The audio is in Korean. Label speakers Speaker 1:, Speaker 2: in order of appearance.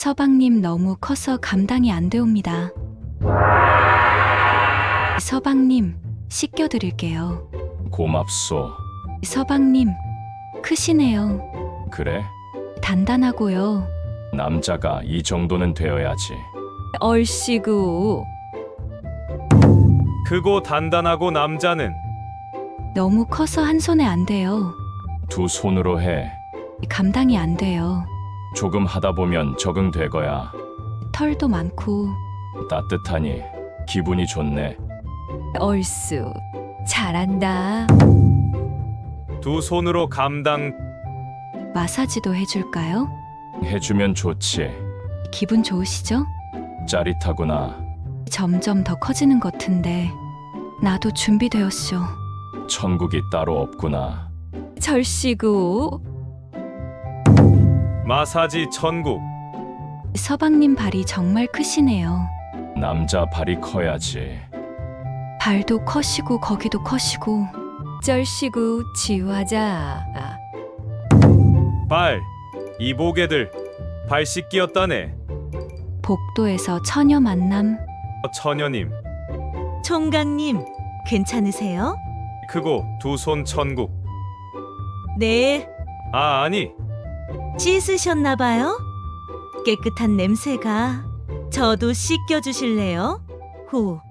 Speaker 1: 서방님 너무 커서 감당이 안 되옵니다. 서방님, 씻겨드릴게요.
Speaker 2: 고맙소.
Speaker 1: 서방님, 크시네요.
Speaker 2: 그래?
Speaker 1: 단단하고요.
Speaker 2: 남자가 이 정도는 되어야지.
Speaker 1: 얼씨구,
Speaker 3: 크고 단단하고 남자는
Speaker 1: 너무 커서 한 손에 안 돼요.
Speaker 2: 두 손으로 해.
Speaker 1: 감당이 안 돼요.
Speaker 2: 조금 하다 보면 적응되거야.
Speaker 1: 털도 많고.
Speaker 2: 따뜻하니 기분이 좋네.
Speaker 1: 얼쑤, 잘한다.
Speaker 3: 두 손으로 감당.
Speaker 1: 마사지도 해줄까요?
Speaker 2: 해주면 좋지.
Speaker 1: 기분 좋으시죠?
Speaker 2: 짜릿하구나.
Speaker 1: 점점 더 커지는 것 같은데 나도 준비되었쇼.
Speaker 2: 천국이 따로 없구나.
Speaker 1: 절씨구,
Speaker 3: 마사지 천국.
Speaker 1: 서방님 발이 정말 크시네요.
Speaker 2: 남자 발이 커야지.
Speaker 1: 발도 커시고 거기도 커시고. 절씨구, 지우하자.
Speaker 3: 발. 이보게들. 발 씻기였다네.
Speaker 1: 복도에서 처녀 만남.
Speaker 3: 처녀님.
Speaker 4: 총각님, 괜찮으세요?
Speaker 3: 크고 두 손 천국.
Speaker 4: 네,
Speaker 3: 아니.
Speaker 4: 씻으셨나봐요? 깨끗한 냄새가. 저도 씻겨주실래요? 후.